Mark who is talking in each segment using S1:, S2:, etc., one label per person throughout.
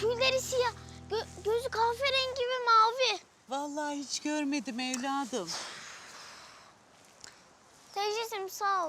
S1: Tüyleri siyah, gözü kahverengi ve mavi.
S2: Vallahi hiç görmedim evladım.
S1: Teyzeciğim sağ ol.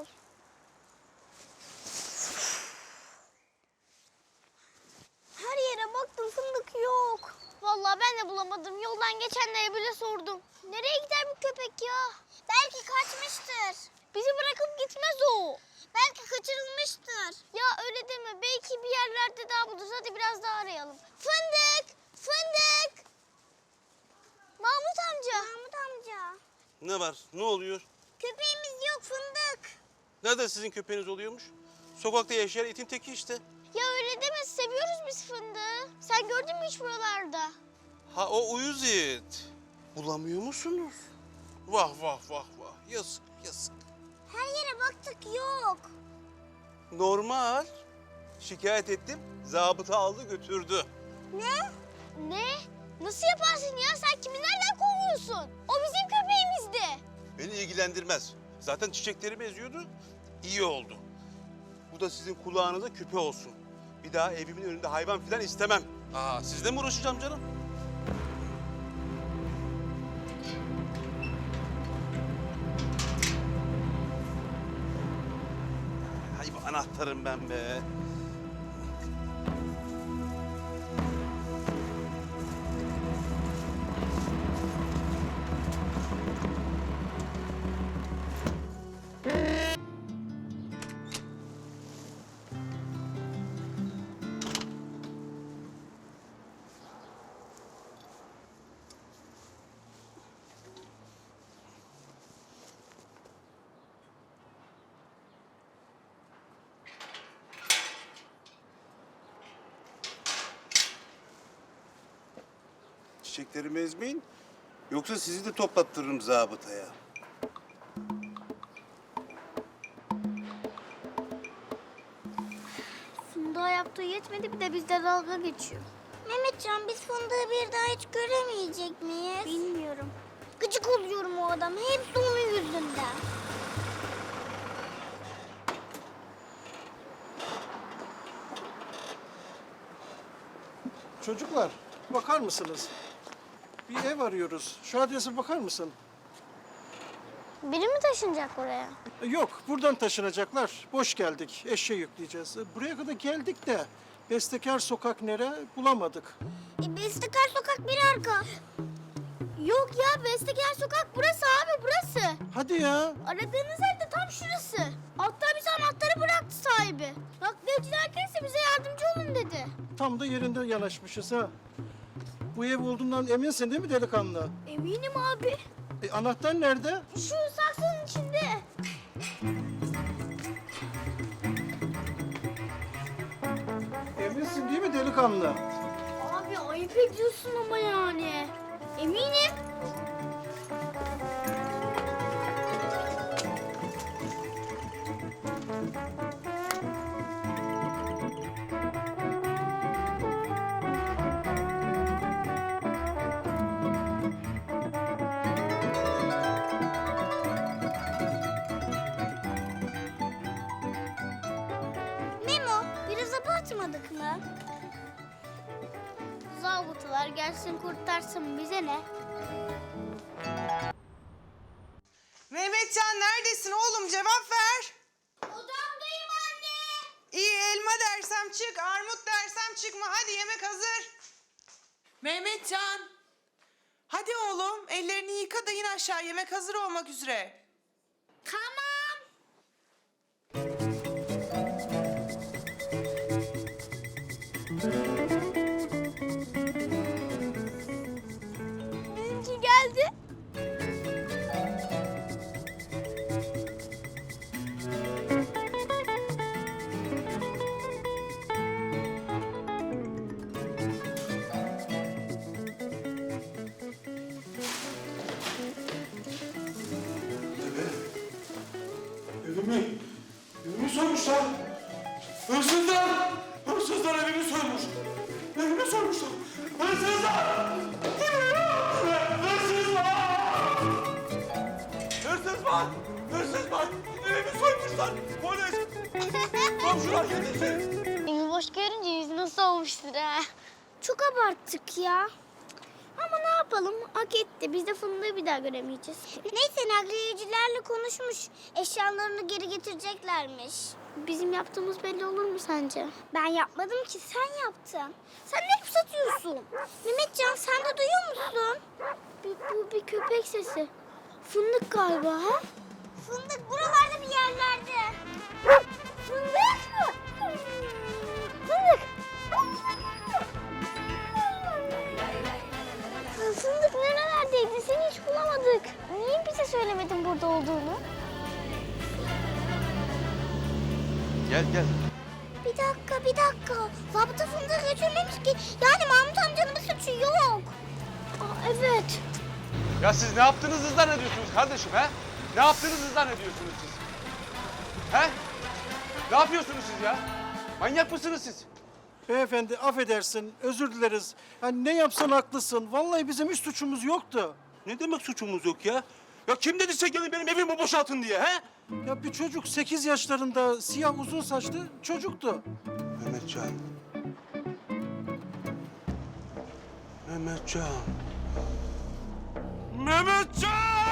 S1: Her yere baktım, fındık yok. Vallahi ben de bulamadım. Yoldan geçenlere bile sordum. Nereye gider bu köpek ya? Belki kaçmıştır. Bizi bırakıp gitmez o. Belki kaçırılmıştır. Ya öyle deme. Belki bir yerlerde daha buluruz. Hadi biraz daha arayalım. Fındık! Fındık! Mahmut amca. Mahmut amca.
S3: Ne var? Ne oluyor?
S1: Köpeğimiz yok, Fındık.
S3: Nerede sizin köpeğiniz oluyormuş? Sokakta yaşayan itin teki işte.
S1: Ya öyle deme. Seviyoruz biz Fındık'ı. Sen gördün mü hiç buralarda?
S3: Ha o uyuz it. Bulamıyor musunuz? Vah vah vah vah. Yazık yazık.
S1: Her yere baktık, yok.
S3: Normal. Şikayet ettim. Zabıta aldı götürdü.
S1: Ne? Ne? Nasıl yaparsın ya? Sen kimi nereden kovuyorsun? O bizim köpeğimizdi.
S3: Beni ilgilendirmez. Zaten çiçeklerimi eziyordu. İyi oldu. Bu da sizin kulağınıza küpe olsun. Bir daha evimin önünde hayvan filan istemem. Aa, sizle mi uğraşacağım canım? Hay bu anahtarım ben be. Çiçeklerimi ezmeyin. Yoksa sizi de toplattırırım zabıtaya.
S1: Fındık'a yaptığı yetmedi, bir de bizde dalga geçiyor. Mehmetcan, biz Fındık'ı bir daha hiç göremeyecek miyiz? Bilmiyorum. Gıcık oluyorum o adama. Hepsi onun yüzünden.
S4: Çocuklar, bakar mısınız? Bir ev arıyoruz. Şu adrese bakar mısın?
S1: Biri mi taşınacak oraya?
S4: Yok, buradan taşınacaklar. Boş geldik, eşya yükleyeceğiz. Buraya kadar geldik de Bestekar Sokak nere bulamadık.
S1: Bestekar Sokak bir arka. Yok ya, Bestekar Sokak burası abi, burası.
S4: Hadi ya.
S1: Aradığınız ev de tam şurası. Hatta bize anahtarı bıraktı sahibi. Nakliyeciler gelirse bize yardımcı olun dedi.
S4: Tam da yerinde yanaşmışız ha. Bu ev olduğundan eminsin değil mi delikanlı?
S1: Eminim abi.
S4: Anahtar nerede?
S1: Şu saksının içinde.
S4: Eminsin değil mi delikanlı?
S1: Abi ayıp ediyorsun ama yani. Eminim. Memo, biraz abartmadık mı? Zabıtalar gelsin kurtarsın, bize ne?
S5: Mehmetcan neredesin oğlum? Cevap ver.
S1: Odamdayım anne.
S5: İyi elma dersem çık, armut dersem çıkma. Hadi yemek hazır. Mehmetcan. Hadi oğlum ellerini yıka da in aşağı. Yemek hazır olmak üzere.
S1: Tamam. Bizimki geldi.
S6: Evimi soymuşlar. Hırsızlar! Hırsızlar evimi soymuş. Evimi soymuşlar. Hırsızlar! Hırsızlar! Hırsız var! Hırsız var! Evimi soymuşlar! Polis! Komşular yetişin!
S1: Evi boş görünce yüzü nasıl olmuştur ha? çok abarttık ya. Ama ne yapalım? Hak etti. Biz de fındığı bir daha göremeyeceğiz. Neyse nakliyecilerle konuşmuş. Eşyalarını geri getireceklermiş. Bizim yaptığımız belli olur mu sence? Ben yapmadım ki. Sen yaptın. Sen ne hep satıyorsun? Mehmetcan sen de duyuyor musun? Bu bir köpek sesi. Fındık galiba ha? Fındık buralarda bir yerlerde. Fındık mı? Fındık. Fındık nerelerdeydi? Seni hiç bulamadık. Niye bize söylemedin burada olduğunu?
S3: Gel gel.
S1: Bir dakika. Zabıta fındığı götürmemiş ki. Yani Mahmut amcanın bir suçu yok. Aa, evet.
S3: Ya siz ne yaptığınızı zannediyorsunuz kardeşim he? Ne yaptığınızı zannediyorsunuz siz? He? Ne yapıyorsunuz siz ya? Manyak mısınız siz?
S4: Beyefendi affedersin, özür dileriz. Yani ne yapsan haklısın. Vallahi bizim hiç suçumuz yoktu.
S3: Ne demek suçumuz yok ya? Ya kim dedi size gelin benim evimi boşaltın diye he?
S4: Ya bir çocuk 8 yaşlarında siyah uzun saçlı çocuktu.
S3: Mehmetcan. Mehmetcan. Mehmetcan!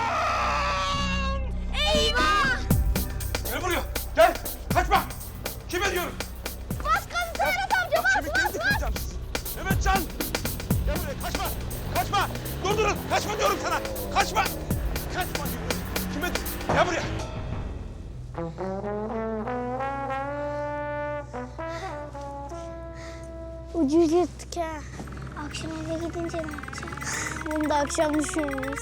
S1: Eyvah!
S3: Gel buraya. Gel. Kaçma. Kime diyorum?
S1: Bas gazı Serhat amca bas.
S3: Mehmetcan! Gel buraya. Kaçma. Kaçma. Durdurun. Kaçma diyorum sana. Kaçma. Kaçma diyorum. Kime? Gel buraya.
S1: Ucuz yırttık ha. Akşam eve gidince ne yapacağız? Bunu da akşam düşünürüz.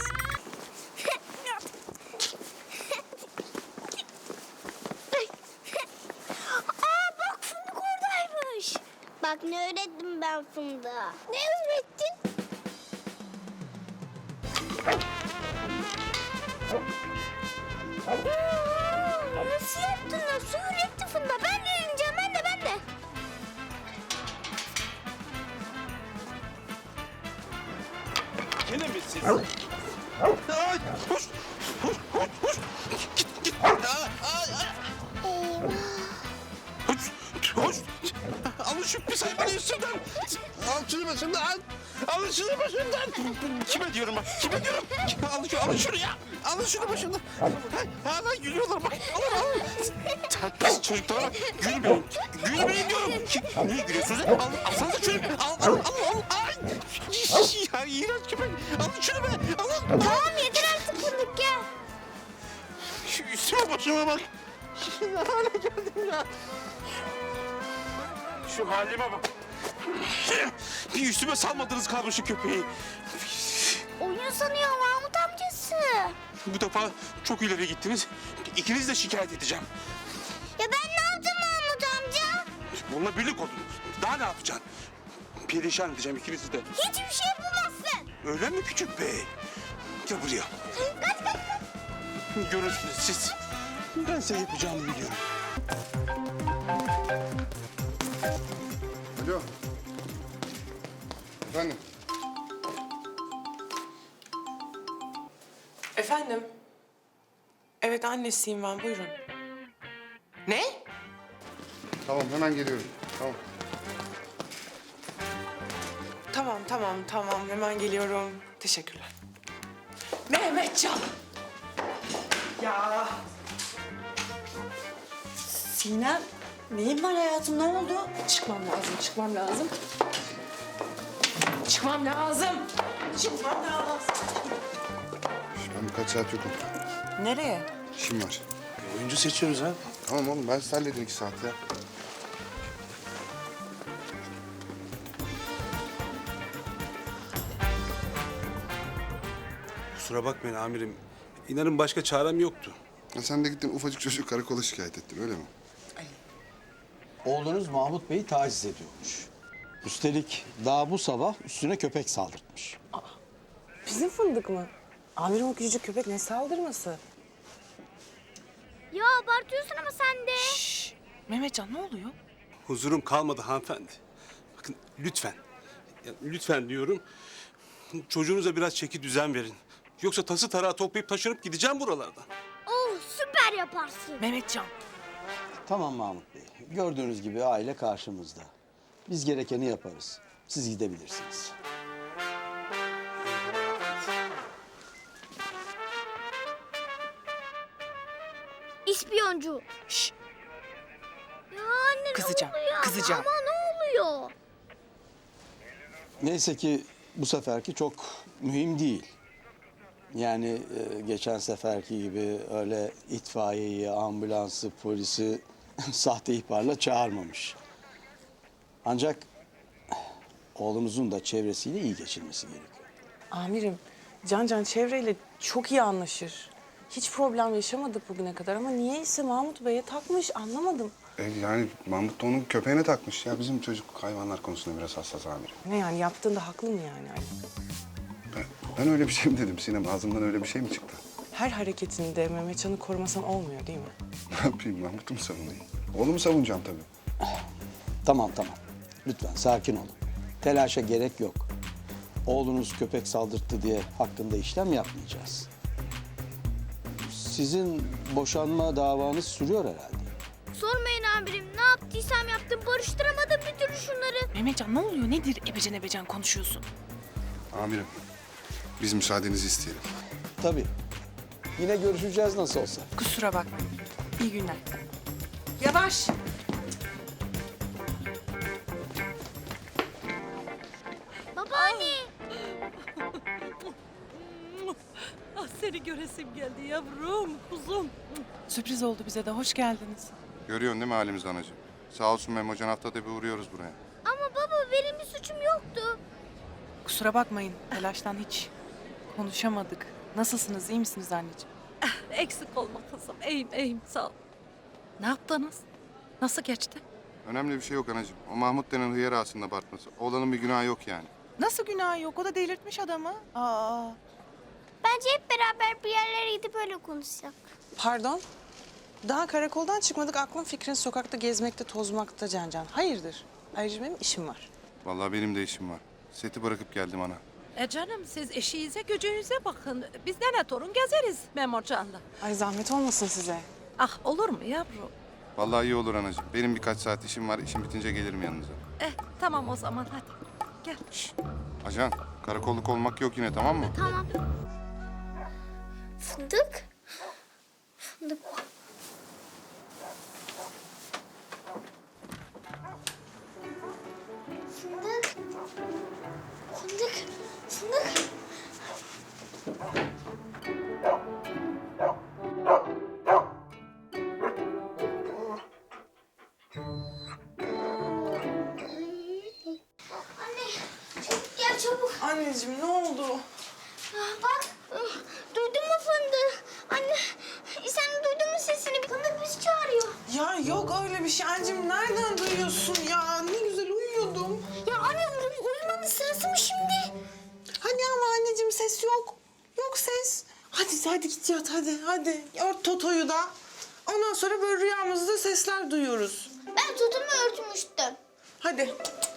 S1: Aa bak fındık oradaymış. Bak ne öğrettim ben fındığa. Ne öğrettin? Nasıl yaptın? Nasıl öğretti fındığa? Ben de öğreneceğim. Ben de.
S3: Yine mi siz? Ay, hoş. Hoş. Git. Hoş. Alın şu pis hayvanı üstümden. Al şunu başımdan. Alın şunu başımdan. Kime diyorum bak? Kime diyorum? Alın şunu ya. Alın şunu başımdan. Hala gülüyorlar bak. Alın. Pis çocuklara bak. Gülmeyin. Gülmeyin diyorum. Niye gülüyorsunuz? Alsanıza şunu. Al. Ay. Ya iğrenç köpek. Alın şunu be. Alın.
S1: Tamam yeter artık fındık ya.
S3: Şu üstüme başıma bak. Ne hale geldim ya. Şu halime bak. Bir üstüme salmadınız kardeşi köpeği.
S1: Oyun sanıyor Mahmut amcası.
S3: Bu defa çok ileri gittiniz. İkiniz de şikayet edeceğim.
S1: Ya ben ne yaptım Mahmut amca?
S3: Bununla birlik oldunuz. Daha ne yapacaksın? Perişan edeceğim ikinizi de.
S1: Hiçbir şey yapamazsın.
S3: Öyle mi küçük bey? Gel buraya.
S1: Kaç.
S3: Görürsünüz siz. Ben size yapacağımı biliyorum.
S7: Alo. Efendim?
S5: Efendim? Evet annesiyim ben buyurun. Ne?
S7: Tamam hemen geliyorum. Tamam.
S5: Tamam hemen geliyorum. Teşekkürler. Mehmetcan. Ya.
S8: Sinem, neyin var hayatım? Ne oldu?
S5: Çıkmam lazım. Çıkmam lazım.
S7: Ben birkaç saat yokum.
S8: Nereye?
S7: İşim var.
S3: Oyuncu seçiyoruz ha.
S7: Tamam oğlum ben size hallederim 2 saat ya.
S3: Kusura bakmayın amirim. İnanın başka çarem yoktu.
S7: Ya sen de gittin ufacık çocuk karakola şikayet ettin öyle mi?
S9: Oğlunuz Mahmut Bey'i taciz ediyormuş. Üstelik daha bu sabah üstüne köpek saldırtmış.
S8: Bizim fındık mı? Amirim o küçücük köpek ne saldırması?
S1: Ya abartıyorsun ama sen de.
S5: Mehmetcan ne oluyor?
S3: Huzurum kalmadı hanımefendi. Bakın lütfen. Ya, lütfen diyorum. Çocuğunuza biraz çeki düzen verin. Yoksa tası tarağı toplayıp taşınıp gideceğim buralardan.
S1: Oh süper yaparsın.
S5: Mehmetcan.
S9: Tamam Mahmut Bey. Gördüğünüz gibi aile karşımızda. Biz gerekeni yaparız. Siz gidebilirsiniz.
S1: İspiyoncu.
S8: Şş,
S1: Ya anne
S8: Kızacağım,
S1: ne oluyor?
S8: kızacağım.
S1: Ama ne oluyor?
S9: Neyse ki bu seferki çok mühim değil. Yani geçen seferki gibi öyle itfaiyeyi, ambulansı, polisi sahte ihbarla çağırmamış. Ancak oğlunuzun da çevresiyle iyi geçirmesi gerekiyor.
S8: amirim, Can çevreyle çok iyi anlaşır. Hiç problem yaşamadık bugüne kadar ama niyeyse Mahmut Bey'e takmış anlamadım.
S7: Yani Mahmut da onun köpeğine takmış. Ya bizim çocuk hayvanlar konusunda biraz hassas amirim.
S8: Ne yani yaptığında haklı mı yani? Ali?
S7: Ben öyle bir şey mi dedim Sinem? Ağzımdan öyle bir şey mi çıktı?
S8: Her hareketinde Mehmetcan'ı korumasan olmuyor değil mi?
S7: Ne yapayım? Mahmut'u mu savunayım? Oğlumu savunacağım tabii.
S9: Tamam. Lütfen sakin olun. Telaşa gerek yok. Oğlunuz köpek saldırttı diye hakkında işlem yapmayacağız. Sizin boşanma davanız sürüyor herhalde.
S1: Sormayın amirim. Ne yaptıysam yaptım. Barıştıramadım bir türlü şunları.
S8: Mehmetcan ne oluyor? Nedir ebecen konuşuyorsun?
S7: Amirim, biz müsaadenizi isteyelim.
S9: Tabii. Yine görüşeceğiz nasıl olsa.
S8: Kusura bakma. İyi günler. Yavaş.
S1: Babaanne.
S10: Ah seni göresim geldi yavrum, kuzum.
S8: Sürpriz oldu bize de. Hoş geldiniz.
S7: Görüyorsun değil mi halimizi anacığım? Sağ olsun Memo Can, haftada bir uğruyoruz buraya.
S1: Ama baba benim bir suçum yoktu.
S8: Kusura bakmayın. Telaştan hiç konuşamadık. Nasılsınız? İyi misiniz anneciğim?
S10: Eksik olma kızım, iyiyim sağ ol. Ne yaptınız? Nasıl geçti?
S7: Önemli bir şey yok anacığım. O Mahmut denen hıyar aslında Bartması. Oğlanın bir günahı yok yani.
S8: Nasıl günah yok? O da delirtmiş adamı. Aa.
S1: Bence hep beraber bir yerlere gidip öyle konuşsak.
S8: Pardon? Daha karakoldan çıkmadık. Aklın fikrin sokakta gezmekte, tozmakta Can. Hayırdır? Ayrıca benim işim var.
S7: Vallahi benim de işim var. Seti bırakıp geldim ana.
S10: Canım siz eşiğinize gücünüze bakın. Biz de ne torun gezeriz Memocan'la.
S8: Ay zahmet olmasın size.
S10: Ah olur mu yavrum?
S7: Vallahi iyi olur anacığım. Benim birkaç saat işim var. İşim bitince gelirim yanınıza.
S10: Tamam o zaman hadi. Gel.
S7: Ajan, karakolluk olmak yok yine, tamam mı?
S1: Tamam. Fındık. Fındık. Fındık. Fındık. Fındık. Anne, çabuk gel çabuk.
S8: Anneciğim ne oldu?
S1: Bak, duydun mu Fındık? Anne, sen duydun mu sesini? Fındık bizi çağırıyor.
S8: Ya yok öyle bir şey. Anneciğim nereden duyuyorsun ya? Ne güzel uyuyordum.
S1: Ya anne, uyumanın sırası mı şimdi?
S8: Hadi ama anneciğim ses yok. Yok ses. Hadi git yat hadi. Ört Toto'yu da. Ondan sonra böyle rüyamızda sesler duyuyoruz.
S1: Ben tutumu örtmüştüm.
S8: Hadi.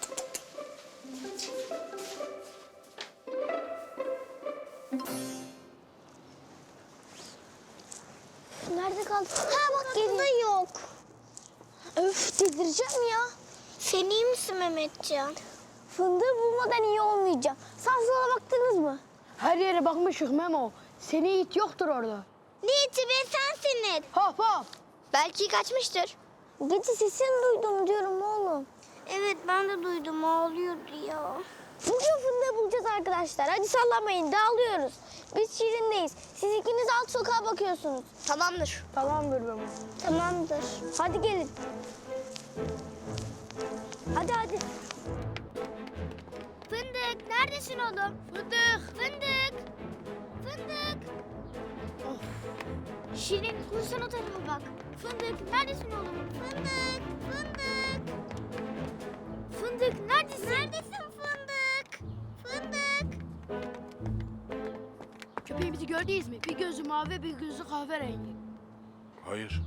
S1: Nerede kaldı? Ha bak geliyor. Yok. Öf delireceğim ya. Sen iyi misin Mehmetcan? Fındığı bulmadan iyi olmayacağım. Sağ sola baktınız mı?
S11: Her yere bakmışık Memo. Seni it yoktur orada.
S1: Ne iti be sensin it.
S11: Hop hop.
S1: Belki kaçmıştır. Gece sesini duydum diyorum oğlum. Evet ben de duydum ağlıyordu ya. Bugün fındığı bulacağız arkadaşlar. Hadi sallamayın dağılıyoruz. Biz Şirin'deyiz. Siz ikiniz alt sokağa bakıyorsunuz. Tamamdır.
S11: Tamamdır Memo.
S1: Tamamdır. Hadi gelin. Hadi. Fındık neredesin oğlum? Fındık. Şirin kursan o tarafa bak. Fındık neredesin oğlum? Fındık neredesin? Fındık.
S11: Köpeğimizi gördünüz mü? Bir gözü mavi, bir gözü kahverengi.
S3: Hayır.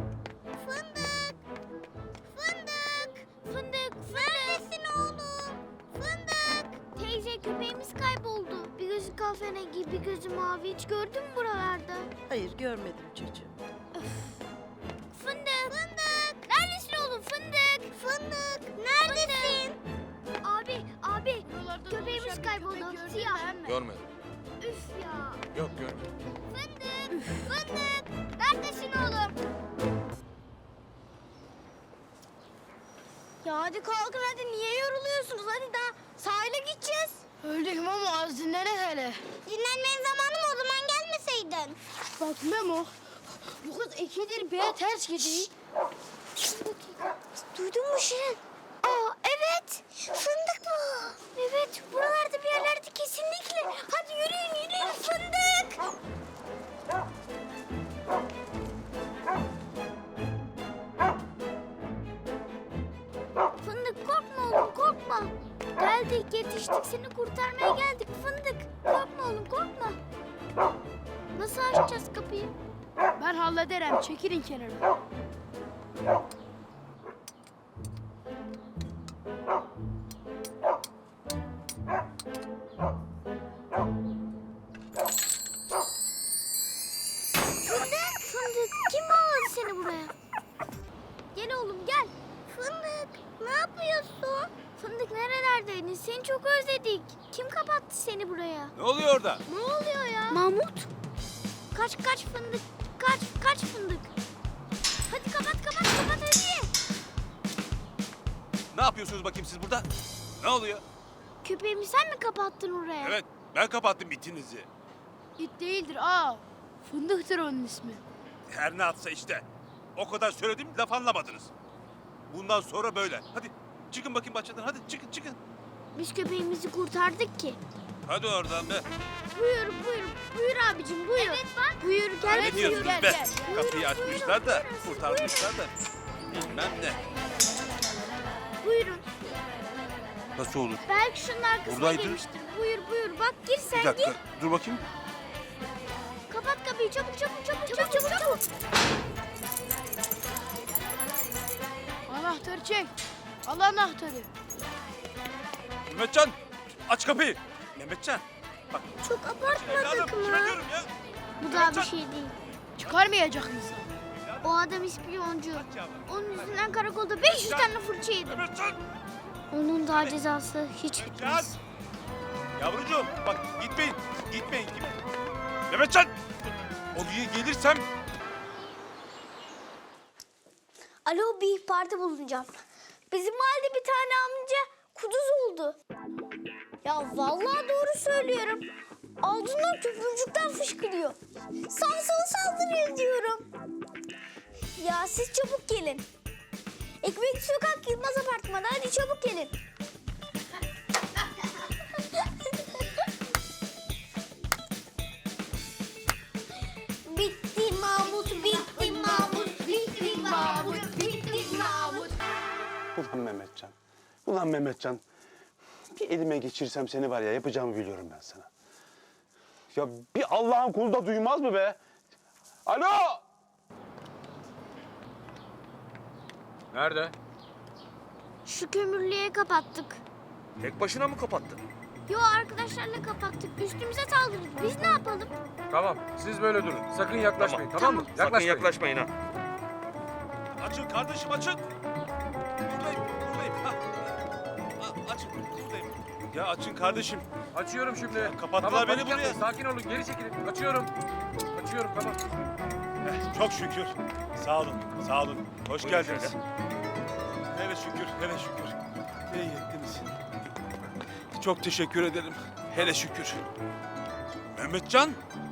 S1: Fındık. Neredesin oğlum? Fındık. Teyze köpeğimiz kayboldu. Bir gözü kahverengi, bir gözü mavi. Hiç gördün mü buralarda?
S10: Hayır görmedim çocuğum.
S1: Fındık. Neredesin oğlum? Fındık. Neredesin? Abi Neresi kayboldu? Siyah.
S6: Görmedim.
S1: Üf ya.
S6: Yok görmedim.
S1: Fındık. Fındık. Neredesin oğlum? Ya hadi kalkın hadi. Niye yoruluyorsunuz? Hadi daha sahile gideceğiz.
S11: Öldük Memo az dinlenek hele.
S1: Dinlenmenin zamanı mı? O zaman gelmeseydin.
S11: Bak Memo bu kız ikidir bir ters gidiyor.
S1: Duydun mu Şirin? Aa evet. Fındık bu. Evet buralarda bir yerlerde kesinlikle. Hadi yürüyün yürüyün fındık. Fındık korkma oğlum korkma. Geldik yetiştik seni kurtarmaya geldik fındık. Korkma oğlum korkma. Nasıl açacağız kapıyı?
S11: Ben hallederim çekilin kenara.
S1: Fındık, fındık. Kim bağladı seni buraya? Gel oğlum gel. Fındık, ne yapıyorsun? Fındık nerelerdeydin? Seni çok özledik. Kim kapattı seni buraya?
S6: Ne oluyor orada?
S1: Ne oluyor ya? Mahmut. Kaç fındık. Kaç fındık. Hadi kapat hadi.
S6: Ne yapıyorsunuz bakayım siz burada? Ne oluyor?
S1: Köpeğimi sen mi kapattın oraya?
S6: Evet, ben kapattım itinizi.
S11: İt değildir aa. Fındıktır onun ismi.
S6: Her ne atsa işte. O kadar söyledim, laf anlamadınız. Bundan sonra böyle. Hadi çıkın bakayım bahçeden, hadi çıkın.
S1: Biz köpeğimizi kurtardık ki.
S6: Hadi oradan be.
S1: Buyur abicim buyur. Evet bak. Buyur gel.
S6: Ne diyorsunuz
S11: gel,
S6: be?
S11: gel.
S6: Kapıyı açmışlar da, kurtarmışlar da. Bilmem ne.
S1: Buyurun.
S6: Nasıl olur?
S1: Belki şunun arkasına
S6: Buradaydı.
S1: girmiştir. Buyur. Bak gir sen
S6: Bir dakika,
S1: gir.
S6: dur bakayım.
S1: Kapat kapıyı çabuk.
S11: Anahtarı çek. Al anahtarı.
S6: Mehmetcan, aç kapıyı. Mehmetcan, bak.
S1: Çok abartmadık
S6: Evladım, kime
S1: mı?
S6: diyorum ya?
S1: Bu daha bir şey değil.
S11: Çıkarmayacak mısın?
S1: O adam ispiyoncu. Onun yüzünden karakolda 500 tane fırça yedim.
S6: Mehmetcan!
S1: Onun daha cezası hiç
S6: Mehmetcan!
S1: bitmez.
S6: Yavrucuğum, bak gitmeyin. Mehmetcan! Oraya gelirsem...
S1: Alo bir ihbarda bulunacağım. Bizim mahallede bir tane amca kuduz oldu. Ya vallahi doğru söylüyorum. Ağzından köpürcükten fışkırıyor. Sansılı saldırıyor diyorum. Ya siz çabuk gelin. Ekmek Sokak Yılmaz Apartmanı hadi çabuk gelin. Bitti Mahmut, bitti Mahmut, bitti Mahmut, bitti Mahmut.
S7: Ulan Mehmetcan. Bir elime geçirsem seni var ya yapacağımı biliyorum ben sana. Ya bir Allah'ın kulu da duymaz mı be? Alo!
S6: Nerede?
S1: Şu kömürlüğe kapattık.
S6: Tek başına mı kapattın?
S1: Yo arkadaşlarla kapattık. Üstümüze saldırdı. Biz ne yapalım?
S6: Tamam, siz böyle durun. Sakın yaklaşmayın, tamam mı? Sakın yaklaşmayın ha. Açın kardeşim, açın. Buradayım. Ha. Açın, buradayım. Ya açın kardeşim.
S12: Açıyorum şimdi.
S6: Ya kapattılar beni buraya.
S12: Yapmayın. Sakin olun, geri çekilin. Açıyorum. Tamam.
S6: Çok şükür. Sağ olun. Hoş geldiniz. Hele şükür. İyi ettiniz. Çok teşekkür ederim. Hele şükür. Mehmetcan!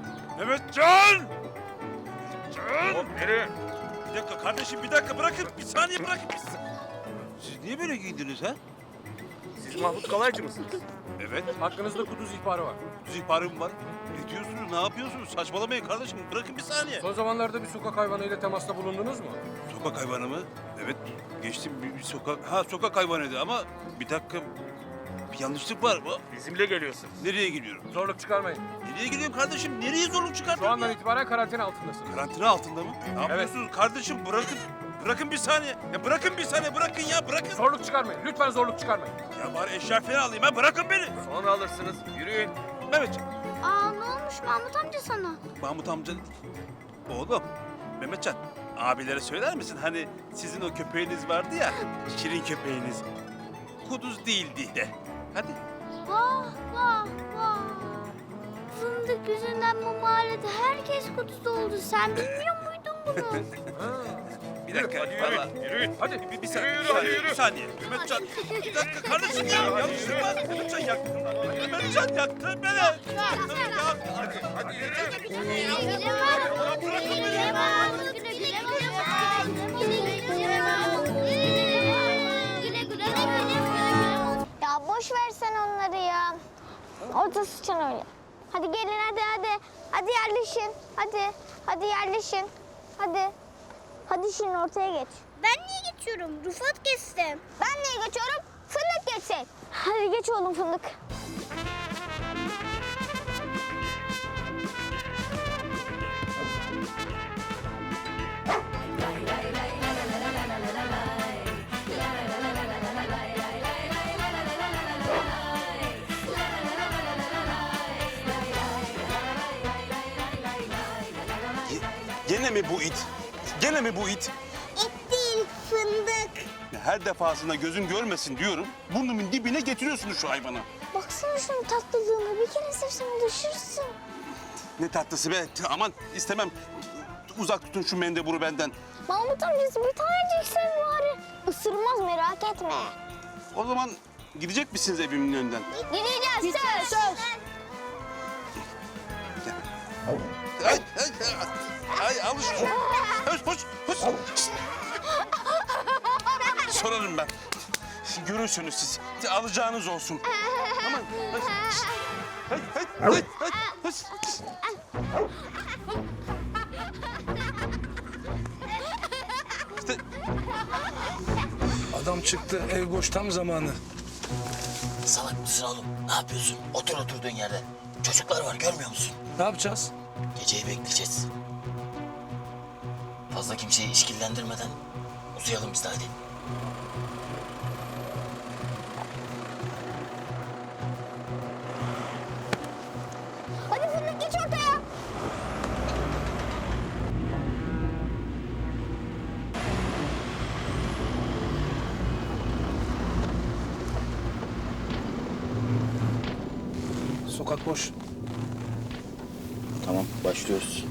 S6: Hop nereye? Bir dakika kardeşim, bırakın. Bir saniye bırakın. Siz niye böyle giydiniz ha?
S12: Siz Mahmut Kalaycı mısınız?
S6: Evet.
S12: Hakkınızda kuduz ihbarı var.
S6: Düz ihbarım var. Ne diyorsunuz? Ne yapıyorsunuz? Saçmalamayın kardeşim. Bırakın bir saniye.
S12: Son zamanlarda bir sokak hayvanıyla temasta bulundunuz mu?
S6: Sokak hayvanı mı? Evet. Geçtim bir sokak. Sokak hayvanıydı ama bir dakika. Bir yanlışlık var.
S12: Bizimle geliyorsunuz.
S6: Nereye gidiyorum?
S12: Zorluk çıkarmayın.
S6: Nereye gidiyorum kardeşim? Nereye zorluk çıkarttın
S12: Şu andan
S6: ya?
S12: itibaren karantina altındasınız.
S6: Karantina altında mı? Ne yapıyorsunuz kardeşim? Bırakın bir saniye. Ya bırakın bir saniye. Bırakın.
S12: Zorluk çıkarmayın. Lütfen zorluk çıkarmayın.
S6: Ya bari eşya falan alayım ha. Bırakın beni.
S12: Sonra alırsınız. Yürüyün.
S6: Mehmetciğim.
S1: Aa ne olmuş Mahmut amca sana?
S6: Mahmut amca. Oğlum. Mehmetcan. Abilere söyler misin? Hani sizin o köpeğiniz vardı ya. Şirin köpeğiniz. Kuduz değildi de. Hadi.
S1: Vah vah vah. Fındık yüzünden bu mahallede herkes kutusu oldu. Sen bilmiyor muydun bunu?
S6: Bir dakika. Yürüyün. Hadi. Bir saniye. Bir saniye. Mehmetcan. Bir dakika kardeşim ya. Yanlışlık var. Mehmetcan yaktın. Mehmetcan yaktın beni. Hadi yürü.
S1: Ya boş versen onları ya. Orada sıçan öyle. Hadi gelin hadi. Hadi yerleşin. Hadi yerleşin. Hadi şimdi ortaya geç. Ben niye geçiyorum? Rıfat geçsin. Ben niye geçiyorum? Fındık geçsin. Hadi geç oğlum Fındık.
S7: Gene mi bu it? Gene mi bu it?
S1: Et değil fındık.
S7: Her defasında gözüm görmesin diyorum. Burnumun dibine getiriyorsunuz şu hayvanı.
S1: Baksana şunun tatlılığına. Bir kere sevsen düşürsün.
S7: Ne tatlısı be. Aman istemem. Uzak tutun şu mendeburu benden.
S1: Mahmut amcası bir tanecik sev bari. Isırmaz merak etme.
S7: O zaman gidecek misiniz evimin önünden?
S1: Gideceğiz söz.
S7: Ay alış. Hoş. Sorarım ben. Görürsünüz siz. Alacağınız olsun. Aman. Hay.
S6: Adam çıktı. Ev boş tam zamanı.
S13: Salak mısın oğlum? Ne yapıyorsun? Otur oturduğun yerde. Çocuklar var görmüyor musun?
S6: Ne yapacağız?
S13: Geceyi bekleyeceğiz. Fazla kimseyi işkillendirmeden uzayalım biz de hadi.
S1: Hadi Fındık geç ortaya.
S6: Sokak boş.
S13: Tamam başlıyoruz.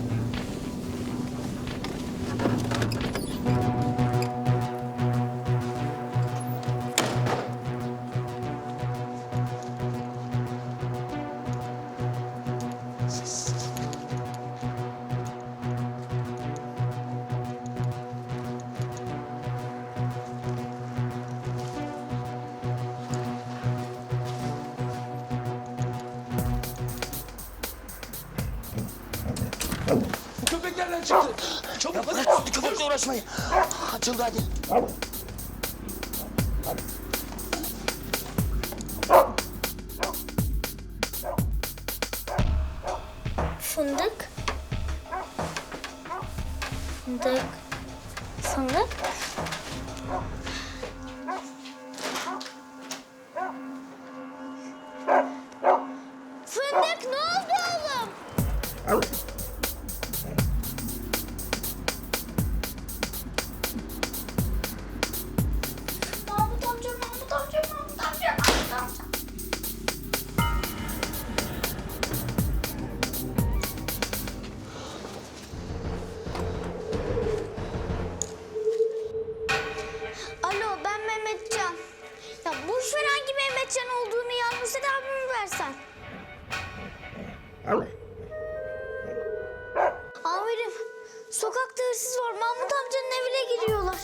S6: Köpek nereden çıktı? Çabuk hadi.
S13: Köpekle uğraşmayın. Açıldı hadi.
S1: Fındık. Fındık. Fındık ne oldu oğlum? Mahmut amca. Alo ben Mehmetcan. Ya boş ver hangi Mehmetcan olduğunu yalnız abimi versen. Amirim sokakta hırsız var. Mahmut amcanın evine giriyorlar.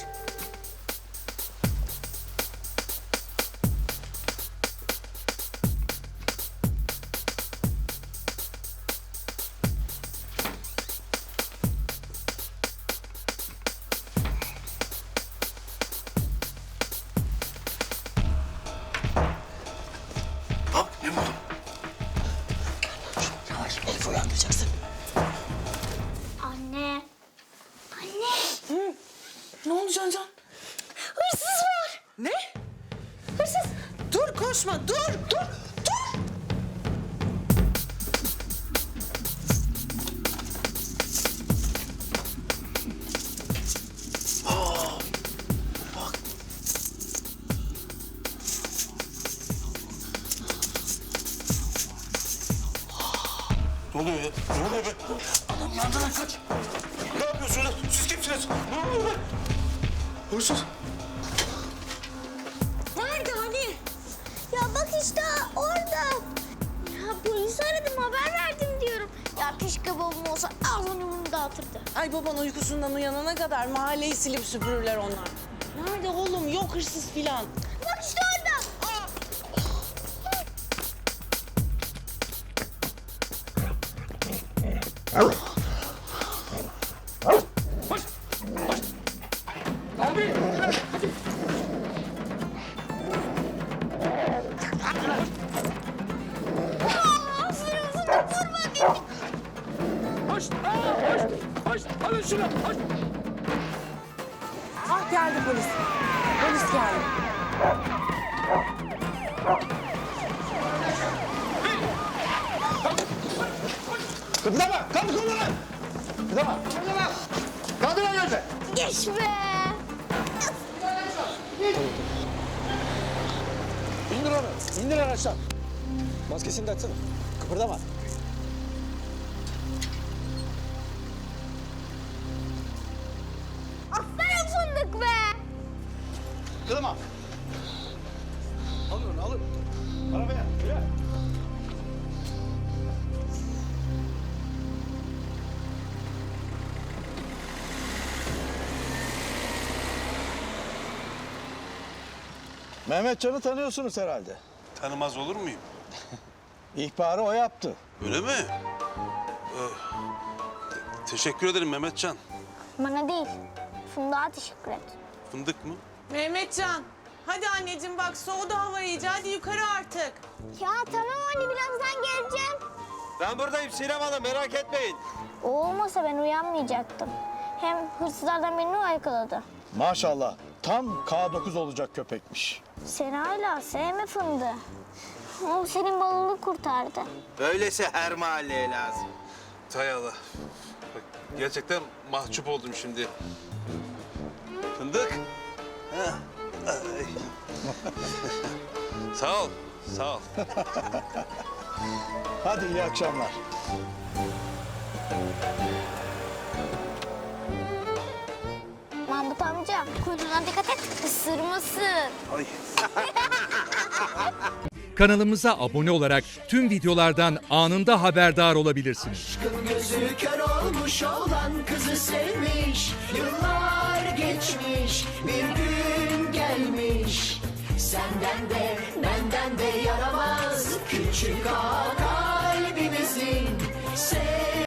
S13: Hop ne buldun? Yavaş Elif'i uyandıracaksın.
S1: Anne.
S8: Ne oldu Can?
S1: Hırsız var.
S8: Ne?
S1: Hırsız.
S8: Dur koşma dur.
S3: Ne oluyor ya? Ne oluyor be? Adam yandılar kaç. Ne yapıyorsunuz? Siz kimsiniz? Ne oluyor be? Hırsız.
S1: Nerede hani? Ya bak işte orada. Ya polisi aradım, haber verdim diyorum. Ya keşke babam olsa ağzını burnunu dağıtırdı.
S8: Ay baban uykusundan uyanana kadar mahalleyi silip süpürürler onlar. Nerede oğlum? Yok hırsız filan.
S1: Bak işte orada. Aferin fındık, vurma beni.
S12: Hoş! Hoş! Hoş! Alın şunu! Hoş!
S8: Ah geldi polis. Polis geldi.
S7: Kıpırdama! Kaldır kolunu! Kıpırdama! Kaldır elini!
S1: Geç be.
S9: İndir onu. İndir araçtan. Maskesini de açsana. Kıpırdama.
S1: Aferin fındık be.
S9: Kıpırdama. Alın onu alın. Arabaya. Yürü. Mehmetcan'ı tanıyorsunuz herhalde.
S3: Tanımaz olur muyum?
S9: İhbarı o yaptı.
S3: Öyle mi? Teşekkür ederim Mehmetcan.
S1: Bana değil, Fındık'a teşekkür et.
S3: Fındık mı?
S8: Mehmetcan. Hadi anneciğim bak soğudu hava iyice. Hadi yukarı artık.
S1: Ya tamam anne, birazdan geleceğim.
S6: Ben buradayım Sinem Hanım, merak etmeyin.
S1: O olmasa ben uyanmayacaktım. Hem hırsızlardan birini o yakaladı.
S9: Maşallah. Tam K9 olacak köpekmiş.
S1: Sen hala sevme fındığı. O senin balını kurtardı.
S6: Böylesi her mahalleye lazım.
S3: Hay Allah. Bak, gerçekten mahcup oldum şimdi. Fındık. Ha. Ay. Sağ ol. Sağ ol.
S9: Hadi iyi akşamlar.
S1: Mahmut amca, kuyruğuna dikkat et, ısırmasın.
S3: Ay.
S14: Kanalımıza abone olarak tüm videolardan anında haberdar olabilirsiniz.
S13: Gözü kör olmuş olan kızı sevmiş. Yıllar geçmiş, bir gün gelmiş. Senden de benden de yaramaz küçük ağa.